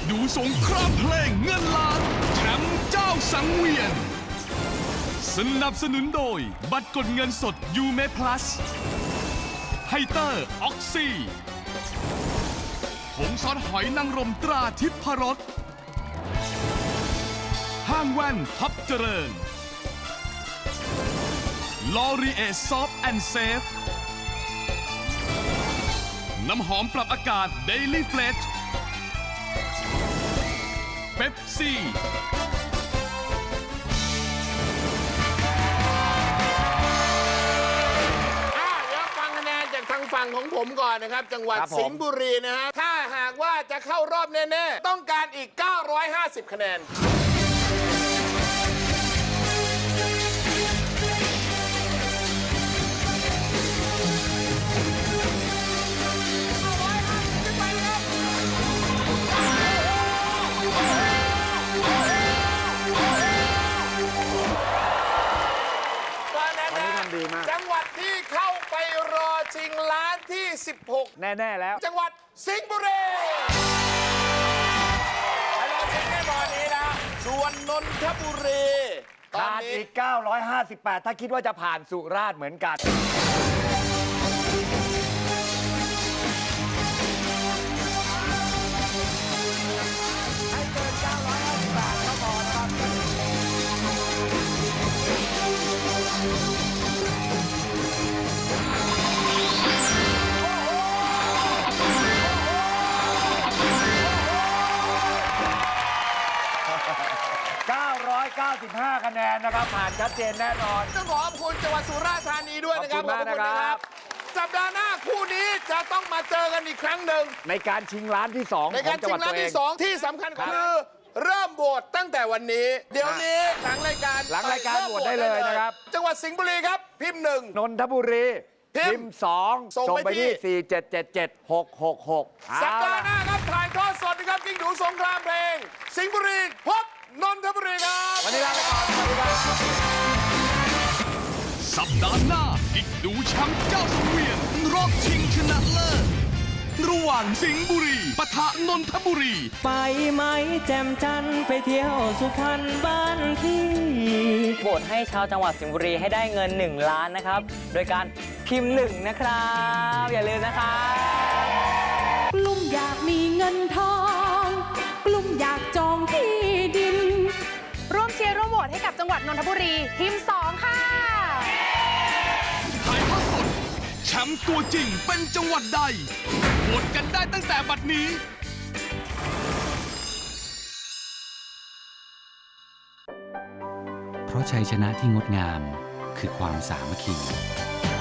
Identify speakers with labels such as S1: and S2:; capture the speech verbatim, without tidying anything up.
S1: ดูสงครามเพลงเงินล้านแชมป์เจ้าสังเวียนสนับสนุนโดยบัตรกดเงินสดยูเมพลัสไฮเตอร์ออกซี่ผงซอสหอยนางรมตราทิพรสห้างแว่นท็อปเจริญลอรีเอซอฟแอนด์เซฟน้ำหอมปรับอากาศ Daily Fresh เป๊ปซี่
S2: ทางฝั่งของผมก่อนนะครับจังหวัดสิงห์บุรีนะฮะถ้าหากว่าจะเข้ารอบแน่ๆต้องการอีกเก้าร้อยห้าสิบคะแนนจังหวัดที่เข้าไปรอชิงล้านที่สิบหก
S3: แน่ๆแล้ว
S2: จังหวัดสิงห์บุรีไปรอชิงแน่นอนนี้นะส่วนนนทบุรี
S3: ขาดอีกเก้าร้อยห้าสิบแปดถ้าคิดว่าจะผ่านสุราษฎร์เหมือนกันให้เกินเก้าร้อยห้าสิบแปดก็พอนะครับเก้าร้อยเก้าสิบห้าคะแนนนะครับผ่านชัดเจนแน่นอน
S2: ต้องขอบคุณจังหวัดสุราษฎร์ธานีด้วยนะครับขอบคุณนะครับสัปดาห์หน้าคู่นี้จะต้องมาเจอกันอีกครั้งหนึ่ง
S3: ในการชิงล้านที่สอง
S2: ในการชิงล้านที่สองที่สำคัญคือเริ่มโหวตตั้งแต่วันนี้เดี๋ยวนี้หลังรายการ
S3: หลังรายการโหวตได้เลยนะครับ
S2: จังหวัดสิงห์บุรีครับพิมพ์หนึ่ง
S3: นนทบุรีพิมพ์สองส่งไปที่สี่เจ็ดเจ็ดเจ็ดหกหกหก
S2: สัปดาห์หน้าครับถ่ายทอดสดนะครับกิ้งดูสงครามเพลงสิงห์บุรีพบนนทบุรีครับ
S3: วันนี้ลาไปก่อนสวัสดีครับ
S1: สัปดาห์หน้ากิ๊กดูแชมป์เจ้าสังเวียนรอบชิงชนะเลิศระหว่างสิงห์บุรีปะทะนนทบุรี
S4: ไปไหมแจ่มจันไปเที่ยวสุพรรณบ้านพี่โหวตให้ชาวจังหวัดสิงห์บุรีให้ได้เงินหนึ่งล้านนะครับโดยการพิมพ์หนึ่งนะครับอย่าลืมนะครับ
S5: กลุ่มอยากมีเงินทองกลุ่มอยากจองที่ดินร่วมเชียร์ร่วมโหวตให้กับจังหวัดนนทบุรีทีมสองค่ะ
S1: ถ่ายทอดสดแชมป์ตัวจริงเป็นจังหวัดใดโหวตกันได้ตั้งแต่บัดนี้
S6: เพราะชัยชนะที่งดงามคือความสามัคคี